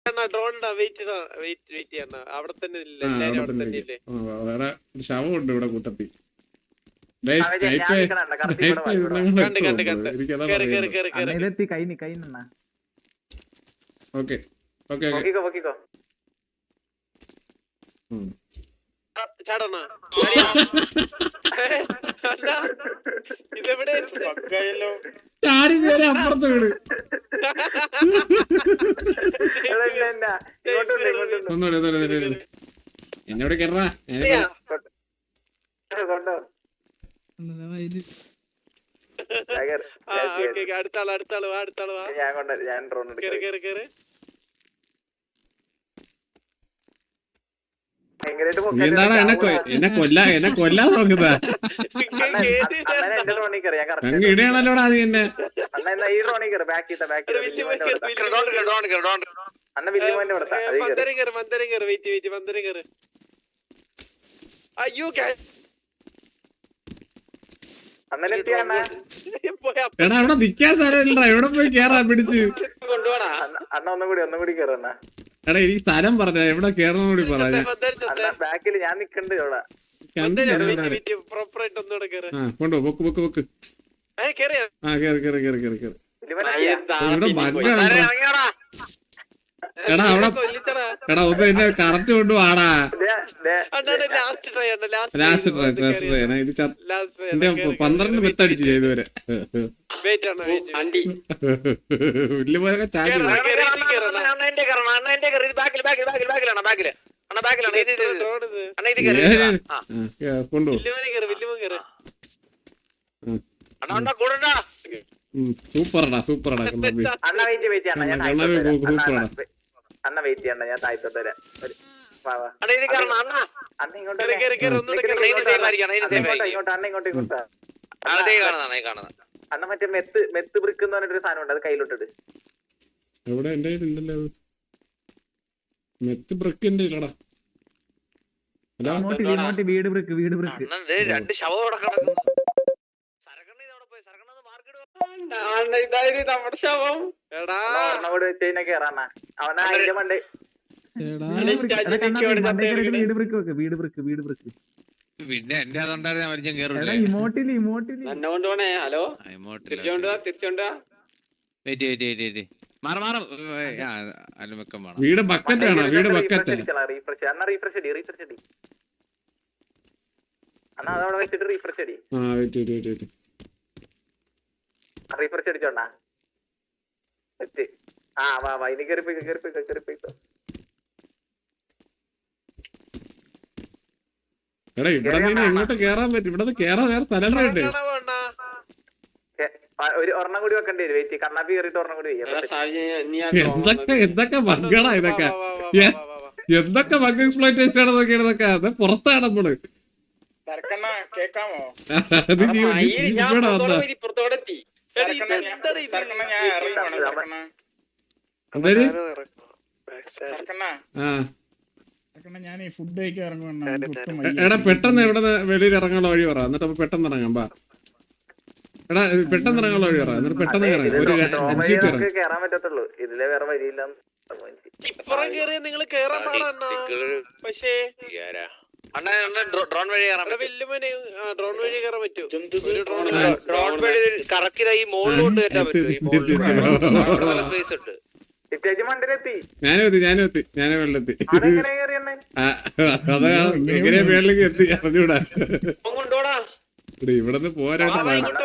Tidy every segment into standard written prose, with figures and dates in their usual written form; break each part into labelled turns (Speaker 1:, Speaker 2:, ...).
Speaker 1: ശവമുണ്ട് ഇവിടെ കൂട്ടത്തിൽ. Okay okay ചാടി നേരെ അപ്പുറത്ത് വീട്. എന്നോട് കേറാ. എന്താണ് എന്നെ കൊല്ലാൻ നോക്കുന്നതാ? അങ്ങ് ഇടയാണല്ലോടാ നീ എന്നെ. എടാ അവിടെ നിക്കാൻ സ്ഥലമില്ലടാ, എവിടെ പോയി കേറാ പിടിച്ച്. എടാ എനിക്ക് സ്ഥലം പറഞ്ഞ എവിടെ കേറണം കൂടി പറഞ്ഞ. കൊണ്ടോ പൊക്ക് പൊക്ക് പൊക്ക്. ആ കേറി ഇവിടെ ബഗ്ഗാണ്. എടാ അവിടെ എടാ ഒന്ന് എന്നെ കറക്റ്റ് കൊണ്ടുപോടാ. ലാസ്റ്റ് ട്രൈ ഇത് എന്റെ 12 മെത്തടിച്ചു ഇതുവരെ. വലിയ പോലൊക്കെ ചാടി കൊണ്ടുപോ. സൂപ്പറടാ സൂപ്പറടാ കണ്ണാപ്പി സൂപ്പറടാ.
Speaker 2: അണ്ണ വെയിറ്റ് ചെയ്യണ്ട, ഞാൻ താഴ്ത്തോട്ട് വരാം. അണ്ണ മറ്റേ മെത്ത് ബ്രിക്ക് എന്ന് പറഞ്ഞിട്ടൊരു സാധനം ഉണ്ട്, അത് കയ്യിലോട്ടിട്ട്.
Speaker 1: എവിടെ എന്റെ കയ്യിലുണ്ടല്ലോ മെത്ത് ബ്രിക്ക്. എന്റെ ഇല്ലടാ.
Speaker 3: വീട് ബ്രിക്ക്
Speaker 2: രണ്ട് ശവം നമ്മുടെ ശവം കൂടെ വെച്ച് കഴിഞ്ഞാൽ കേറാണ അവനാ അതിന്റെ മണ്ടേ.
Speaker 4: പിന്നെ എന്റെ അതുണ്ടായിരുന്നു മരിച്ചാൻ കേറില്ല.
Speaker 2: ഹലോ
Speaker 1: വീട് ബക്കറ്റാണ്. വീട് ബക്കറ്റ്
Speaker 2: അണ്ണാ അതവിടെ വെച്ചിട്ട് റീഫ്രഷ് അടി. റീഫ്രഷ് അടിച്ചോണ്ടാ. ആ വാ വാ ഇനി കേറിപ്പോയിക്കോ.
Speaker 1: എടാ ഇവിടെ നിന്ന് എങ്ങോട്ട് കേറാൻ പറ്റും? ഇവിടെ കേറാൻ വേറെ സ്ഥലങ്ങളുണ്ട്.
Speaker 2: ഒരു ഒരെണ്ണം കൂടി വെക്കേണ്ടി വരും. വെയിറ്റ് കണ്ണാപ്പി കയറിയിട്ട് ഒരെണ്ണം കൂടി
Speaker 1: എന്തൊക്കെ ബഗ്ഗാടാ ഇതൊക്കെ. എന്തൊക്കെ ബഗ് എക്സ്പ്ലോയിറ്റേഷൻ ആണ് നോക്കിയാണ് ഇതൊക്കെ. അത് പുറത്താണ് നമ്മള്. എടാ പെട്ടെന്ന് എവിടെ വെളിയിൽ ഇറങ്ങാനുള്ള വഴി പറ, എന്നിട്ട് പെട്ടെന്ന് ഇറങ്ങാം. ബാ എടാ പെട്ടെന്ന് ഇറങ്ങാനുള്ള വഴി പറ, എന്നിട്ട് പെട്ടെന്ന് ഇറങ്ങാം. ഒരു 5 മിനിറ്റ്
Speaker 2: കേറാൻ പറ്റത്തുള്ളൂ, ഇതിലെ വേറെ വഴിയില്ല.
Speaker 4: ഡ്രോൺ വഴി കറക്റ്റ് ഈ മോളിലോട്ട് കയറ്റാൻ പറ്റും.
Speaker 1: ഞാനും വെള്ളെത്തി. അതാ എങ്ങനെയാ മേളിലേക്ക് എത്തി അറിഞ്ഞൂടാ. ഇവിടെന്ന് പോരാട്ട്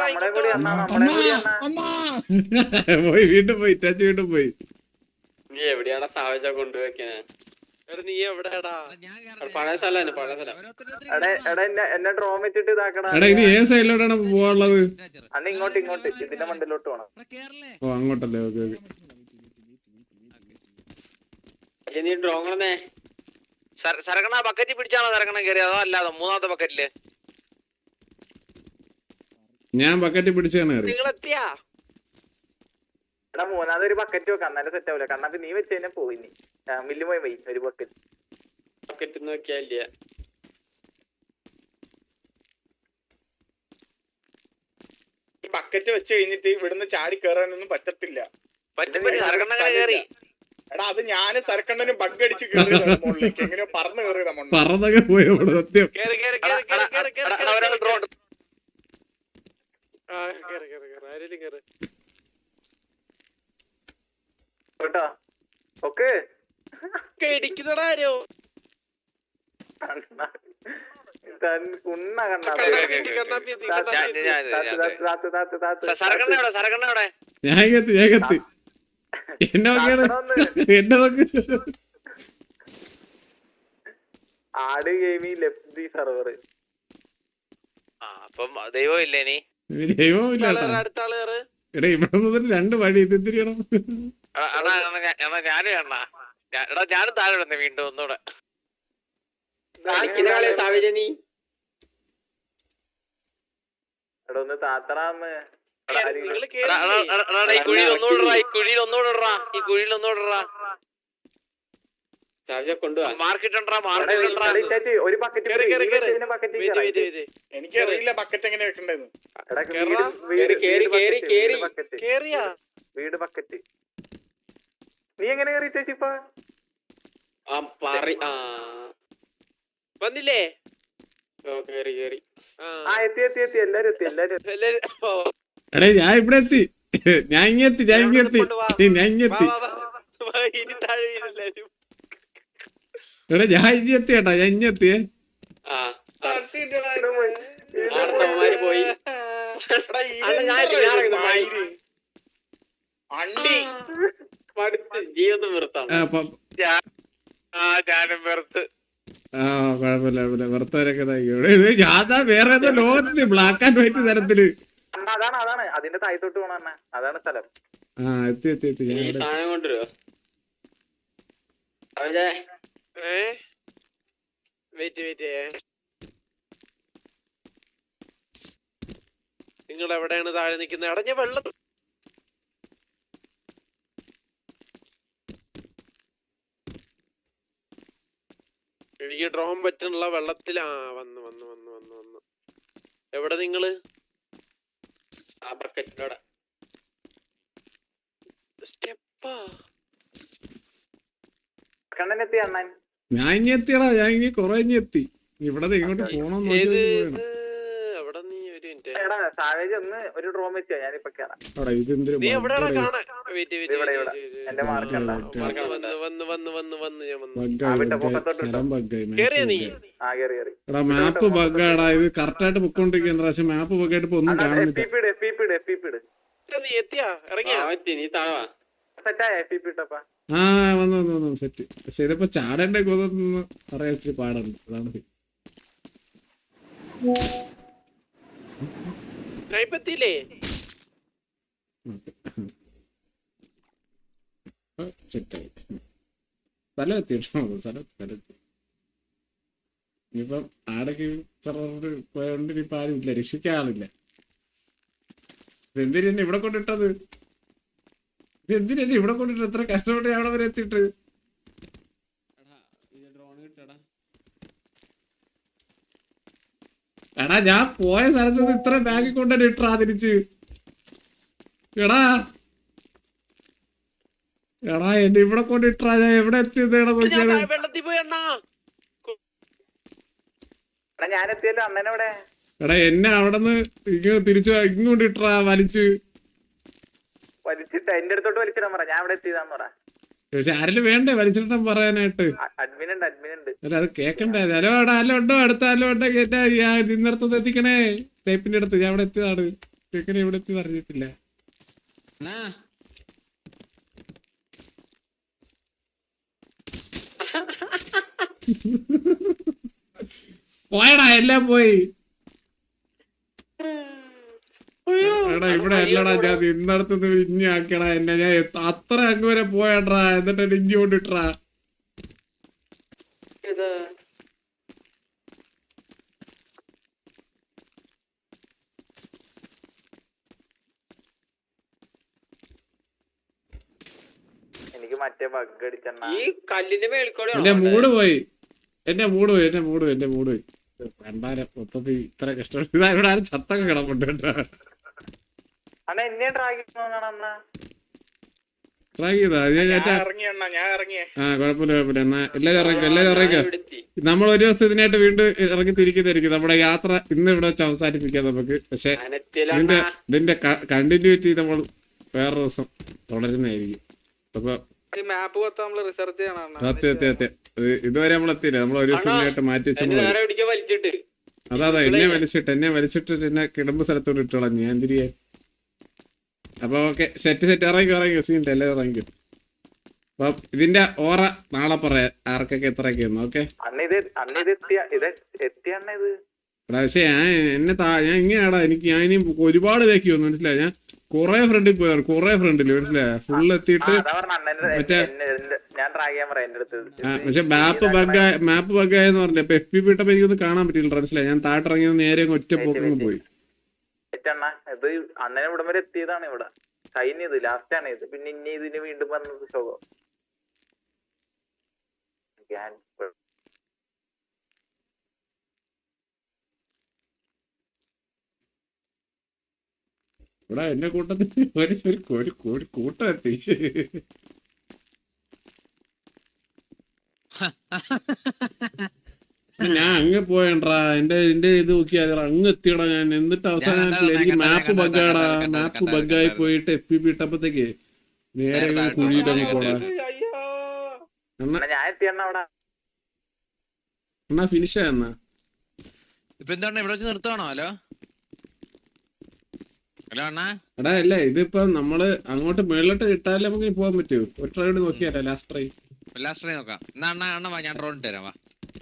Speaker 1: പോയി വീണ്ടും പോയി ഇറ്റാച്ചി വീണ്ടും പോയി.
Speaker 2: നീ എവിടെയാടാ സാവജ കൊണ്ടുവെക്കണേ? നീ എവിടെയാടാ? പഴയ സ്ഥലം. എന്നെ ഡ്രോൺ വെച്ചിട്ട് ഇതാക്കടാ.
Speaker 1: എടാ ഇനി ഏത് സൈഡിലോട്ടാണ് പോവാനുള്ളത്?
Speaker 2: അന്ന് ഇങ്ങോട്ട് ഇതിന്റെ മണ്ടിലോട്ട് പോണം.
Speaker 1: ഓ അങ്ങോട്ടല്ലേ. Okay okay.
Speaker 2: നീ ഡ്രോണേ
Speaker 4: സരക്കണ ബക്കറ്റ് പിടിച്ചാണോ സരക്കണം കയറി? അതോ അല്ലാതെ മൂന്നാമത്തെ ബക്കറ്റില്?
Speaker 1: ഞാൻ ബക്കറ്റ് പിടിച്ചാണ് കയറി.
Speaker 2: എടാ മൂന്നാമത് ഒരു ബക്കറ്റ് വെക്കാം, എന്നാലും സെറ്റ് ആവില്ല. കണ്ണാപ്പി നീ വെച്ച് കഴിഞ്ഞാൽ പോയി. മില്ലു പോയി ഒരു ബക്കറ്റ് നോക്കിയാല്ല. ബക്കറ്റ് വെച്ച് കഴിഞ്ഞിട്ട് ഇവിടുന്ന് ചാടി കയറാനൊന്നും പറ്റത്തില്ല.
Speaker 4: സരക്കണ്ണ കയറി
Speaker 5: എടാ അത് ഞാന് സരക്കണ്ണനും ബഗ് അടിച്ച് കയറിയതാണ് മുകളിലേക്ക് എങ്ങനെയോ പറന്ന് കയറിയതാ മണ്ണ്.
Speaker 1: പറന്നൊക്കെ പോയി അവിടെ സത്യം.
Speaker 4: ഒരാൾ ഡ്രോൺ
Speaker 2: കേട്ടോ ഓക്കെ
Speaker 4: ഇടിക്കുന്നതാരോ
Speaker 2: കുണ്ണ കണ്ണാ
Speaker 4: സരകണ്ണ എവിടെ സരകണ്ണ എവിടെ
Speaker 1: ഞാൻ കത്തി എന്നെ നോക്കിയാണ് എന്നെ നോക്കി.
Speaker 2: ആട് ഗെയിമി ലെഫ്റ്റ് സെർവർ
Speaker 4: അപ്പം ദൈവം ഇല്ലേ നീ
Speaker 1: ദൈവമില്ല
Speaker 4: അടുത്ത ആള് കയറ്
Speaker 1: എടാ ഇവിടെ നിന്നിട്ട് 2 വഴി ഇത് എന്തിരിയണം.
Speaker 4: ഞാനും എണ്ണ എടാ ഞാനും താഴെ ഇടുന്നേ വീണ്ടും ഒന്നുകൂടെ
Speaker 2: എടാ ഒന്ന് താത്തറാന്ന്
Speaker 4: ഈ കുഴിയിൽ ഒന്നുകൂടെ ഈ കുഴിയിൽ ഒന്നുകൂടെ മാർക്കിട്ടുണ്ടാ
Speaker 2: ഒരു ബക്കറ്റ്
Speaker 5: എനിക്കറിയില്ല ബക്കറ്റ് എങ്ങനെ വെക്കണ്ടെന്ന്.
Speaker 2: വീട് ബക്കറ്റ് നീ എങ്ങനെ കയറി ചേച്ചി ഇപ്പൊ
Speaker 4: വന്നില്ലേ
Speaker 2: എത്തി എല്ലാരും
Speaker 1: എടേ ഞാൻ ഇവിടെ എത്തി. ഞാൻ ഇങ്ങെത്തി
Speaker 4: ഇനി താഴെ വീണില്ലാരും
Speaker 1: എടാ ഞാൻ ഇങ്ങെത്തി കേട്ടാ ഞാൻ ഇങ്ങെത്തിയേ.
Speaker 4: ജീവിതം വെറുത്താണ് ഞാനും വെറുത്ത്
Speaker 1: കുഴപ്പമില്ല വെറുത്തവരൊക്കെ ഞാൻ വേറെ ഏതോ ലോകത്ത് ബ്ലാക്ക് ആൻഡ് വൈറ്റ് തരത്തില്.
Speaker 2: അതാണ് അതിന്റെ താഴത്തോട്ട് പോണ അതാണ് സ്ഥലം.
Speaker 1: എത്തി ഞാൻ ഇവിടെ
Speaker 4: നിങ്ങൾ എവിടെയാണ് താഴെ നിൽക്കുന്നത്? അടഞ്ഞ വെള്ളം എനിക്ക് ഡ്രോൺ പറ്റുള്ള വെള്ളത്തിൽ വന്ന് എവിടെ നിങ്ങള്? ആ ബക്കറ്റിലൂടെ സ്റ്റെപ്പാ
Speaker 2: കണ്ണനെത്തി അണ്ണൻ
Speaker 1: ഞാൻ ഇനി എത്തിയടാ. ഞാൻ ഇനി കൊറേ ഇനി എത്തി. ഇവിടെ ഇങ്ങോട്ട് പോണം
Speaker 4: അവിടെ നീ ഒരു മിനിറ്റ്
Speaker 2: എടാ സാവേജ് ഒന്ന് ഒരു ഡ്രോൺ വെച്ചോ ഞാനിപ്പോ കേറാം.
Speaker 1: ഇതെന്തൊരു
Speaker 4: നീ എവിടെയാണ് കാണാൻ?
Speaker 2: എന്റെ മാർക്കണ്ട
Speaker 1: എടാ മാപ്പ് ബഗ്ഗാടാ. ഇത് കറക്റ്റ് ആയിട്ട് പൊക്കോണ്ടിരിക്കുന്ന പക്ഷെ മാപ്പ് ബഗ്ഗായിട്ട് ഇപ്പൊ ഒന്നും കാണുന്നില്ല. വന്നു സെറ്റ്. പക്ഷെ ഇതിപ്പോ ചാടേണ്ട കൊതൊന്ന് പറയാൻ ഇച്ചിരി പാടുണ്ട്. അതാണ് സെറ്റായി. സ്ഥലം എത്തിട്ടോ സ്ഥലത്ത്. ഇനിയിപ്പം ആടൊക്കെ പോയോണ്ട് ഇനിയിപ്പോ ആരും ഇല്ല, രക്ഷിക്കാൻ ആളില്ല. എന്തിനാ ഇവിടെ കൊണ്ടിട്ടത്? എന്തിനാ ഇവിടെ കൊണ്ടിട്ട് എത്ര കഷ്ടപ്പെട്ട് അവിടെ വരെ എത്തിയിട്ട്? എടാ ഞാൻ പോയ സ്ഥലത്ത് ഇത്ര ബാഗ് കൊണ്ടുതന്നെ ഇട്ടാ തിരിച്ച്. എടാ എന്നെ ഇവിടെ കൊണ്ടിട്ടാ ഞാൻ എവിടെ എത്തിയത്?
Speaker 4: വെള്ളത്തിൽ പോയി അണ്ണാ.
Speaker 2: ഞാൻ എത്തിയല്ലോ അണ്ണനെവിടെ?
Speaker 1: എടാ എന്നെ അവിടെന്ന് തിരിച്ചു ഇങ്ങോട്ട് ഇട്ടാ വലിച്ചു.
Speaker 2: വലിച്ചിട്ട് എന്റെ അടുത്തോട്ട് വലിച്ചിടാൻ പറ. ഞാൻ അവിടെ എത്തിയതാന്ന് പറ.
Speaker 1: പക്ഷെ ആരെങ്കിലും വേണ്ടേ വലിച്ചിട്ടാൻ പറയാനായിട്ട്?
Speaker 2: അഡ്മിൻ ഉണ്ട്.
Speaker 1: അല്ല അത് കേക്കണ്ടേ? ഹലോ ഉണ്ടോ? അടുത്ത ഹലോ ഉണ്ടോ കേട്ടാ നിന്നടത്തത് എത്തിക്കണേ. ടേപ്പിന്റെ അടുത്ത് ഞാൻ ഇവിടെ എത്തിയതാണ്. കേക്കണേ ഇവിടെ എത്തിയത് അറിയത്തില്ല. പോയടാ എല്ലാം പോയി. എടാ ഇവിടെ അല്ലടാ ഞാൻ നിന്നടത്തുനിന്ന് ഇഞ്ഞി ആക്കിയടാ എന്നെ. ഞാൻ അത്ര അങ്ങ് വരെ പോയടാ. എന്നിട്ട് എന്നെ ഇഞ്ഞി കൊണ്ടിട്ടാ.
Speaker 2: എനിക്ക് മറ്റേ ബഗ് അടിച്ചെണ്ണ.
Speaker 4: ഈ കല്ലിന്റെ മേൽക്കൂടെ
Speaker 1: എന്റെ മൂഡ് പോയി. രണ്ടായിരം മൊത്തത്തിൽ ഇത്ര കഷ്ടപ്പെട്ടു. ഇതാ ഇവിടെ ആരും ചത്തൊക്കെ കിടപ്പുണ്ട് കേട്ടോ.
Speaker 2: അണ്ണ എന്നെ ഡ്രാഗിങ്
Speaker 1: ട്രൈ ചെയ്താ ഞാൻ
Speaker 5: ഇറങ്ങി അണ്ണാ, ഞാൻ ഇറങ്ങിയേ.
Speaker 1: ആ കുഴപ്പമില്ല എന്നാ എല്ലാരും ഇറങ്ങിക്കോ നമ്മൾ ഒരു ദിവസം ഇതിനായിട്ട് വീണ്ടും ഇറങ്ങി തിരിക്കുന്നതായിരിക്കും നമ്മുടെ യാത്ര ഇന്ന് ഇവിടെ വെച്ച് അവസാനിപ്പിക്കാം നമുക്ക്. പക്ഷെ ഇതിന്റെ കണ്ടിന്യൂറ്റി നമ്മൾ വേറെ ദിവസം തുടരുന്നതായിരിക്കും. അപ്പൊ സത്യം ഇതുവരെ നമ്മൾ എത്തിയില്ല. നമ്മൾ ഒരു ദിവസം ഇതിനായിട്ട് മാറ്റി വെച്ചു. അതാ എന്നെ വലിച്ചിട്ട് എന്നെ കിടമ്പ് സ്ഥലത്തോട് ഇട്ട് കളഞ്ഞു ഞാൻ തിരികെ. അപ്പൊ ഓക്കെ സെറ്റ് ഇറങ്ങിക്കോ സീൻ്റെ എല്ലാവരും ഇറങ്ങിക്കോ. അപ്പൊ ഇതിന്റെ ഓറ നാളെ പറയാം ആർക്കൊക്കെ എത്രയൊക്കെയെന്ന്. ഓക്കെ പക്ഷെ ഞാൻ ഇങ്ങനെയാടാ ഞാൻ ഇനി ഒരുപാട് ബാക്കി വന്നു മനസ്സിലായി. ഞാൻ കൊറേ ഫ്രണ്ടിൽ പോയാണ് ഫ്രണ്ടില് മനസ്സിലായ ഫുള്ള് എത്തിയിട്ട് പക്ഷെ മാപ്പ് ബഗ്ഗായെന്ന് പറഞ്ഞ ഇപ്പൊ FPP ഇട്ടപ്പോ എനിക്കൊന്നും കാണാൻ പറ്റില്ല മനസ്സിലായി. ഞാൻ താട്ടിറങ്ങിയത് നേരെ ഒറ്റ പോക്കങ്ങ് പോയി.
Speaker 2: ഇത് അണ്ണനെ ഇവിടം വരെ എത്തിയതാണ്. ഇവിടെ കഴിഞ്ഞത് ലാസ്റ്റ് ആണ് ഇത്. പിന്നെ ഇനി ഇതിന് വീണ്ടും വന്നത് ശോകം.
Speaker 1: ഇവിടെ എന്റെ കൂട്ടത്തിൽ ഒരു കൂട്ടം എത്തി. ഞാൻ അങ്ങ് പോയണ്ടാ എന്റെ ഇത് നോക്കിയാ അങ്ങ് എത്തിയടാ ഞാൻ. എന്നിട്ട് അവസാനം എനിക്ക് മാപ്പ് ബഗ്ഗായി പോയിട്ട് FPP ഇട്ടപ്പോഴത്തേക്ക് നേരെ കുഴിയിട്ടങ്ങ് പോടാ. എന്നാ ഫിനിഷ് ആയെന്നാ
Speaker 4: ഇപ്പൊ എന്താണ് ഇവിടെ വെച്ച് നിർത്തുവാണോ? ഹലോ അണ്ണാ
Speaker 1: എടാ അല്ലേ ഇതിപ്പോ നമ്മള് അങ്ങോട്ട് മേളിലോട്ട് കിട്ടാല്ലേ നമുക്ക് പോകാൻ പറ്റുമോ? ഒരു ട്രൈ കൂടി നോക്കിയാലോ ലാസ്റ്റ് ട്രൈ
Speaker 4: നോക്കാം. എന്നാ അണ്ണ ഞാൻ ഡ്രോൺ ഇട്ട് തരാം. വാ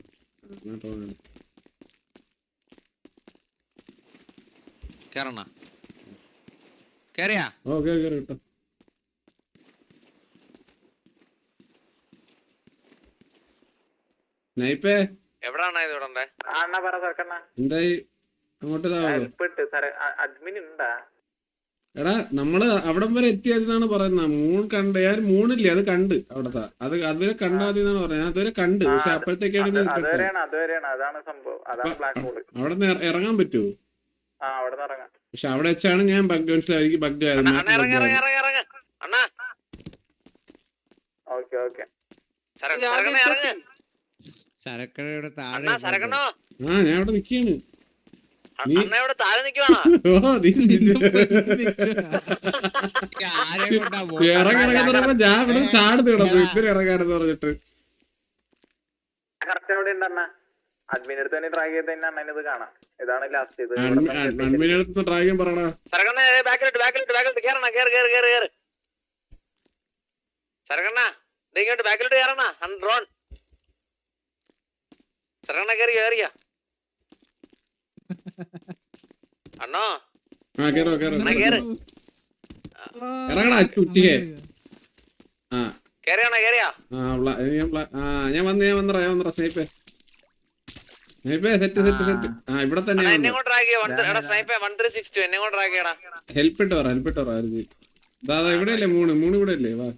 Speaker 4: കേറണ കേറിയാ
Speaker 1: ഓക്കെ കേട്ടോ. നൈപ്പേ
Speaker 4: എവിടാണ് ഇത് ഇവിടെ
Speaker 1: എന്തായി അങ്ങോട്ട്
Speaker 2: അഡ്മിൻ ഉണ്ടാ?
Speaker 1: എടാ നമ്മള് അവിടം വരെ എത്തിയതെന്നാണ് പറയുന്നത്. മൂൺ കണ്ട് ഞാൻ മൂണില്ലേ അത് കണ്ട് അവിടത്തെ അതുവരെ കണ്ടാതെന്നാണ് പറഞ്ഞത്. ഞാൻ അതുവരെ കണ്ട് പക്ഷെ അപ്പോഴത്തേക്കാണ് അവിടെ നിന്ന് ഇറങ്ങാൻ പറ്റുമോ? പക്ഷെ അവിടെ വെച്ചാണ് ഞാൻ ബഗ് മനസ്സിലായി ബഗ് ആയത്. ആ ഞാൻ അവിടെ നിക്കാണ്. ഇറങ്ങാൻ ഞാൻ ഇവിടെ ചാടുന്നു കിടന്നു ഇത്തിരി ഇറങ്ങാനെന്ന് പറഞ്ഞിട്ട്.
Speaker 2: അഡ്മിനടുത്ത് ട്രൈ ചെയ്ത് അണ്ണനത് കാണാം. ഇതാണ് ലാസ്റ്റ്. ഇത്
Speaker 1: അഡ്മിനടുത്ത് ട്രൈ ചെയ്യാൻ പറയണ.
Speaker 4: ഇങ്ങോട്ട് ബാക്കിലോട്ട് കയറണ ഡ്രോൺ സരകണ്ണ കേറിയ അണ്ണോ
Speaker 1: ഇറങ്ങടാ ഉച്ചക്ക്. ഞാൻ വന്നറ സ്നൈപ്പേ സെറ്റ്. ആ ഇവിടെ തന്നെ ഹെൽപ്പ് ഇട്ട് പറ. ദാദാ ഇവിടെ അല്ലേ മൂന്ന് ഇവിടെ അല്ലേ? വാ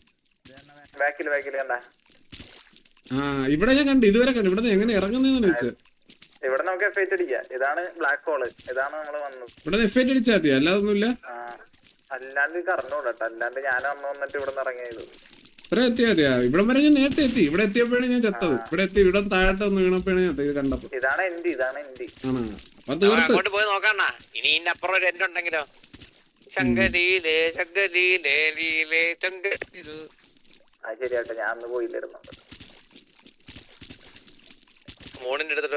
Speaker 1: ആ ഇവിടെ ഞാൻ കണ്ടു ഇതുവരെ കണ്ടു. ഇവിടെ എങ്ങനെ ഇറങ്ങുന്നതെന്ന് ചോദിച്ചത്.
Speaker 2: ഇവിടെ നമുക്ക് എഫ്ഐറ്റ് അടിക്കാം. ഇതാണ് ബ്ലാക്ക് ഹോള്. ഇതാണ് നമ്മള് വന്നത്.
Speaker 1: ഇവിടെ എഫ്ഐറ്റ് അടിച്ചാൽ മതി അല്ലാതൊന്നുമില്ല.
Speaker 2: അല്ലാണ്ട് കറന്നൂടട്ടോ. അല്ലാണ്ട് ഞാൻ വന്നിട്ട് ഇവിടെ നിന്ന് ഇറങ്ങിയത്.
Speaker 1: ഇത്ര എത്തിയാ മതിയാ? ഇവിടെ വരെ ഞാൻ നേരത്തെ എത്തി. ഇവിടെ എത്തിയപ്പോഴാണ് ഞാൻ ചത്തത്. ഇവിടെ എത്തി ഇവിടെ താഴോട്ട് ഒന്ന് വീണപ്പോഴാണ് ഞാൻ ഇത് കണ്ടപ്പോ.
Speaker 2: ഇതാണ് എൻഡി.
Speaker 1: ആണോ? അപ്പൊ തീർത്ത്
Speaker 4: പോയി നോക്കണ. ഇനി ഇതിന്റെ അപ്പുറം ഒരു എൻഡ് ഉണ്ടെങ്കിലോ?
Speaker 2: ശരിയാട്ടെ ഞാൻ അന്ന് പോയില്ലായിരുന്നു.
Speaker 4: മോണിന്റെ എടുത്തിട്ട്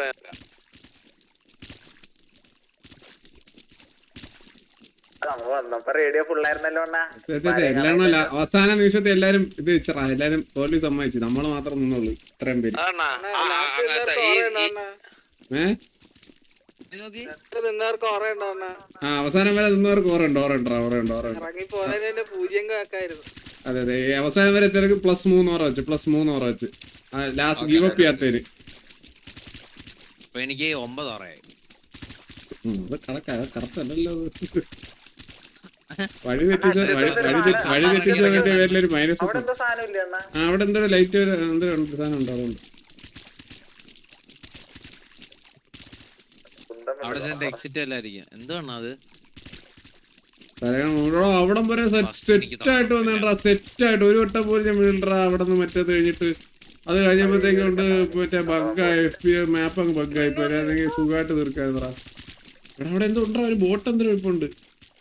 Speaker 2: റേഡിയോ ഫുള്ളായിരുന്നല്ലോ.
Speaker 1: എല്ലാം അവസാന നിമിഷത്തെ എല്ലാരും ഇത് വെച്ചറാ. എല്ലാരും തോൽവി സമ്മതിച്ചു. നമ്മള് മാത്രം നിന്നുള്ളൂ ഇത്രയും പേര്. ആ അവസാനം വരെ നിന്നവർക്ക് ഓറുണ്ട്. അതെ അതെ അവസാനം വരെ എത്തിയവർക്ക് +3 ഓറ വെച്ച് ലാസ്റ്റ് ഗീവ് അപ്പ് ചെയ്യാത്തവര്.
Speaker 4: എനിക്ക് 9 ഓറയായി.
Speaker 1: കറക്റ്റല്ലല്ലോ. വഴി തെറ്റിച്ചതിന്റെ പേരിലൊരു മൈനസ്. അവിടെ എന്തോ ലൈറ്റ് എന്തോ സാധനം ഉണ്ടോ? അതുകൊണ്ട്
Speaker 4: എക്സിറ്റ് അല്ലായിരിക്കും. എന്താണ് അത്?
Speaker 1: അവിടം വരെ സെറ്റായിട്ട് വന്നിട്ടാ, സെറ്റായിട്ട് ഒരു വട്ടം പോലും ഞാൻ വീണ്ടാ അവിടെ നിന്ന് മറ്റേത് കഴിഞ്ഞിട്ട്. അത് കഴിഞ്ഞപ്പോഴത്തേക്കും കൊണ്ട് മറ്റേ ബഗ്ഗായി FPA മാപ്പ് അങ്ങ് ബഗ്ഗായി പോയി. സുഖമായിട്ട് തീർക്കാതെടാ. എടാ അവിടെ എന്തോ ഉണ്ടാ, ഒരു ബോട്ട് എന്തിനും ഇപ്പൊ ഉണ്ട്.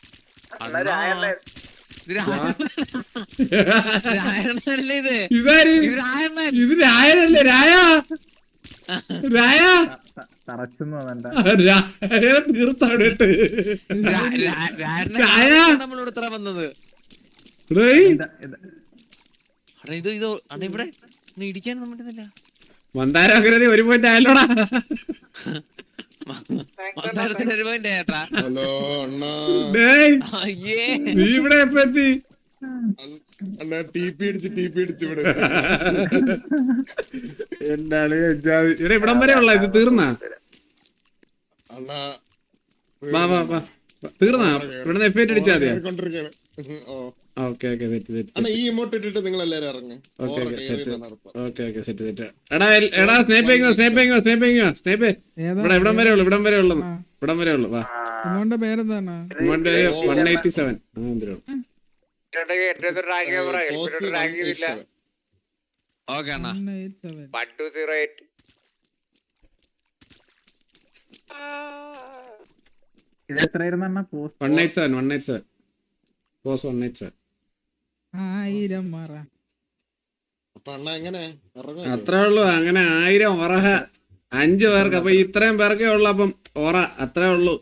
Speaker 1: ഇതാര് ഇത്? രായനല്ലേ? രായ രായ തീർത്തവിടെ
Speaker 4: വന്നത് ഇവിടെ ഇടിക്കാൻ പറ്റുന്നില്ല.
Speaker 1: മന്ദാരം ഒരു പോയിന്റ് ആയല്ലോടാ.
Speaker 6: ഹലോ അണ്ണാ,
Speaker 1: നീ ഇവിടെ എപ്പ എത്തി?
Speaker 6: അണ്ണാ TP അടിച്ച് ഇവിടെ
Speaker 1: എന്താണ് ഇവിടെ ഇവിടം വരെ ഉള്ള ഇത് തീർന്നാ?
Speaker 6: അണ്ണാ
Speaker 1: വാ വാ വാ തീർന്നാ? ഇവിടെ F8 അടിച്ചാ മതിയാ? ഓക്കെ
Speaker 6: അണ്ണാ ഈ ഇമോട്ട് ഇട്ടിട്ട് നിങ്ങൾ എല്ലാരും ഇറങ്ങി.
Speaker 1: സെറ്റ്. എടാ സ്നേപ്പ് ഇവിടെ ഇവിടം വരെ ഉള്ളു, ഇവിടം വരെ ഉള്ളു. വാ.
Speaker 3: പേരെന്താണ്?
Speaker 1: 187. എന്തിനാ
Speaker 4: ഓക്കെ അണ്ണാ.
Speaker 5: 1208.
Speaker 3: ഇത് എത്രയായിരുന്നു അണ്ണാ?
Speaker 1: 187. പോസ് 187.
Speaker 3: 1000 മറ.
Speaker 6: അപ്പൊ അണ്ണാ എങ്ങനെ ഇറങ്ങും?
Speaker 1: അത്രേ ഉള്ളു. അങ്ങനെ 1000 ഒറഹ 5 പേർക്ക്. അപ്പൊ ഇത്രയും പേർക്കേ ഉള്ളു. അപ്പം ഒറ അത്രേ ഉള്ളു.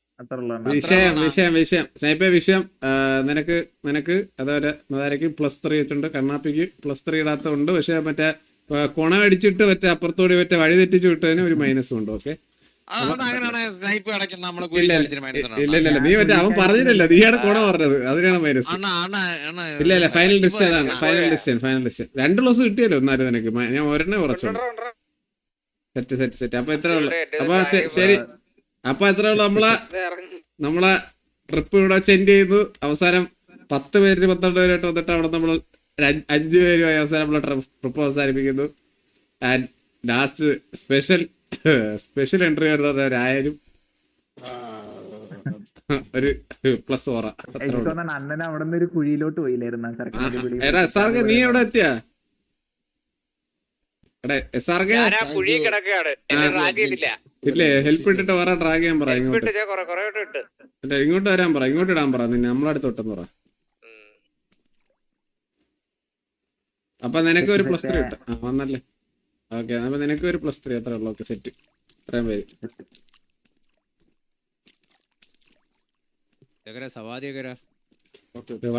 Speaker 1: വിഷയം സ്നൈപ്പേ വിഷയം. നിനക്ക് അതേപോലെ മതാരക്ക് +3 വെച്ചിട്ടുണ്ട്. കണ്ണാപ്പിക്ക് +3 ഇടാത്തതുണ്ട്. പക്ഷെ മറ്റേ കൊണമടിച്ചിട്ട് മറ്റേ അപ്പുറത്തോടി മറ്റേ വഴി തെറ്റിച്ച് വിട്ടതിന് ഒരു മൈനസും ഉണ്ട്. ഓക്കെ ഇല്ല നീ മറ്റേ അവൻ പറഞ്ഞില്ലല്ലോ, നീയാണ് കൊണ പറഞ്ഞത്, അതിനാണ് മൈനസ്. ഇല്ല ഫൈനൽ ഡിസിഷൻ അതാണ്. ഫൈനൽ ഡിസിഷൻ 2 പ്ലസ് കിട്ടിയല്ലോ എന്നാലും നിനക്ക്. ഞാൻ ഒരെണ്ണേ കുറച്ചുള്ളൂ. സെറ്റ്. അപ്പൊ എത്ര ഉള്ളു? അപ്പൊ ശരി. അപ്പൊ എത്ര ഉള്ളു? നമ്മളെ ട്രിപ്പ് ഇവിടെ വെച്ച് എൻഡ് ചെയ്തു. അവസാനം 10 പേര് 12 പേരായിട്ട് വന്നിട്ട് അവിടെ നമ്മൾ 5 പേരുമായി അവസാനം നമ്മളെ ട്രിപ്പ് അവസാനിപ്പിക്കുന്നു. ആൻഡ് ലാസ്റ്റ് സ്പെഷ്യൽ എൻട്രി വരുന്നത് ഒരായാലും ഒരു +4.
Speaker 3: അണ്ണൻ അവിടെ നിന്ന് ഒരു കുഴിയിലോട്ട് പോയില്ലായിരുന്നു.
Speaker 1: എടാ SRK നീ എവിടെ എത്തിയാ? എടാ SRK ഇല്ലേ? ഹെൽപ്പ് ഇട്ടിട്ട് വേറെ ഡ്രാഗ് ചെയ്യാൻ പറ. ഇങ്ങോട്ട് വരാൻ പറ, ഇങ്ങോട്ട് ഇടാൻ പറ. നിന്നെ നമ്മളടുത്ത് ഇട്ടെന്ന് പറ. അപ്പൊ നിനക്ക് ഒരു +3 കിട്ടും. വന്നല്ലേ? ഓക്കെ. അപ്പൊ നിനക്ക് ഒരു +3 അത്ര ഉള്ളു. Okay set. ഇത്രയും പേര്.
Speaker 3: Okay.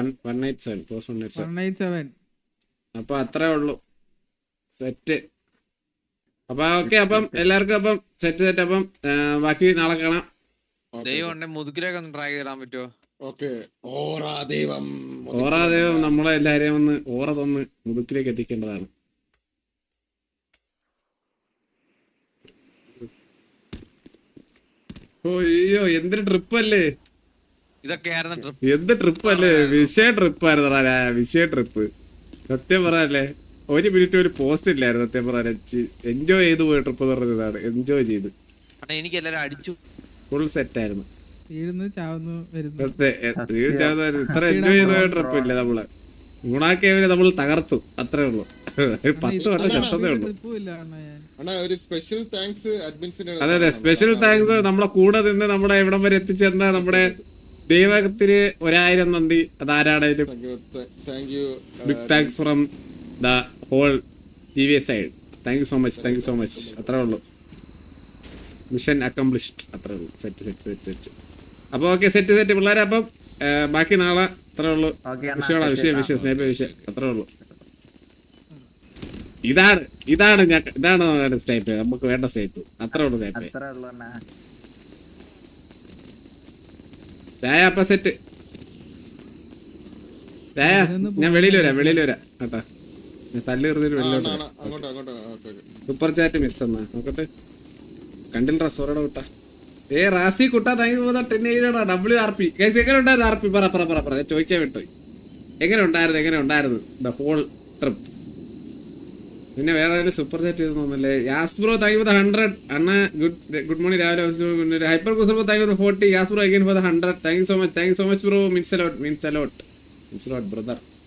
Speaker 1: 187. അപ്പൊ അത്രേ ഉള്ളു. സെറ്റ്. അപ്പൊ ഓക്കെ. അപ്പം എല്ലാവർക്കും അപ്പം സെറ്റ്. അപ്പം ബാക്കി നാളെ കാണാം.
Speaker 4: മുതുകിലേക്ക് ഒന്ന് ട്രൈ ചെയ്തിടാൻ പറ്റുമോ?
Speaker 1: ഓറാ ദൈവം നമ്മളെ എല്ലാരെയും ഒന്ന് ഓറ തന്ന് മുതുക്കിലേക്ക് എത്തിക്കേണ്ടതാണ്. അയ്യോ എന്തൊരു ട്രിപ്പല്ലേ
Speaker 4: ഇതൊക്കെയായിരുന്നു.
Speaker 1: എന്ത് ട്രിപ്പല്ലേ? വിഷയ ട്രിപ്പ് സത്യം പറയാല്ലേ. 1 മിനിറ്റ് ഒരു പോസ്റ്റ് ഇല്ലായിരുന്നു സത്യം പറയാൻ. എൻജോയ് ചെയ്ത് പോയ ട്രിപ്പ് എന്ന് പറഞ്ഞതാണ്. എൻജോയ് ചെയ്ത്
Speaker 4: എനിക്ക് എല്ലാരും അടിച്ചു.
Speaker 1: ഫുൾ സെറ്റ് ആയിരുന്നു.
Speaker 3: ഇത്ര
Speaker 1: എൻജോയ് ചെയ്ത ട്രിപ്പ് ഇല്ല. നമ്മള് ഗുണാക്കേവിനെ നമ്മൾ തകർത്തു. അത്രേ ഉള്ളു. 10 വട്ടം ചത്തതേ ഉള്ളു. അതെ സ്പെഷ്യൽ താങ്ക്സ്. നമ്മളെ കൂടെ നിന്ന് നമ്മളെ ഇവിടം വരെ എത്തിച്ചേർന്ന നമ്മുടെ ദൈവത്തിന് 1000 നന്ദി. അതാരാണേലും big thanks from the whole TVS side. Thank you so much. അത്രേ ഉള്ളു. Mission accomplished. അത്രേ ഉള്ളു. സെറ്റ്. അപ്പൊ ഓക്കെ സെറ്റ് പിള്ളേരെ. അപ്പം ബാക്കി നാളെ അത്രേ ഉള്ളു. വിഷയം സ്നേഹ വിഷയം അത്രേ ഉള്ളു. ഇതാണ് സ്റ്റൈപ്പ്. നമുക്ക് വേണ്ട സ്റ്റൈപ്പ്. അത്രേ ഉള്ളു സ്റ്റൈപ്പ്. രായ അപ്പൊ സെറ്റ്. രായ ഞാൻ വെളിയിൽ വരാം കേട്ടാ. ഞാൻ തല്ല് കയറി വെളിയിലോട്ട്. സൂപ്പർ ചാറ്റ് മിസ് എന്നാ നോക്കട്ടെ. കണ്ടില്ല സോറയുടെ കുട്ട. റാസി കുട്ട thank you for the 10 WRP. Guys എങ്ങനെ ഉണ്ടായിരുന്നു RP? പറ ചോദിക്കാൻ വിട്ടു. എങ്ങനെ ഉണ്ടായിരുന്നു ദ ഹോൾ ട്രിപ്പ്? പിന്നെ വേറെ ആരും സൂപ്പർ ചാറ്റ് ചെയ്ത് തോന്നുന്നല്ലേ. Yes bro thank you for 100. അണ്ണ ഗുഡ് മോർണിംഗ് രാവിലെ ഹൈപ്പർ കുസർ bro thank you for 40. Yes bro again for 100. Thank you so much bro. Means a lot brother.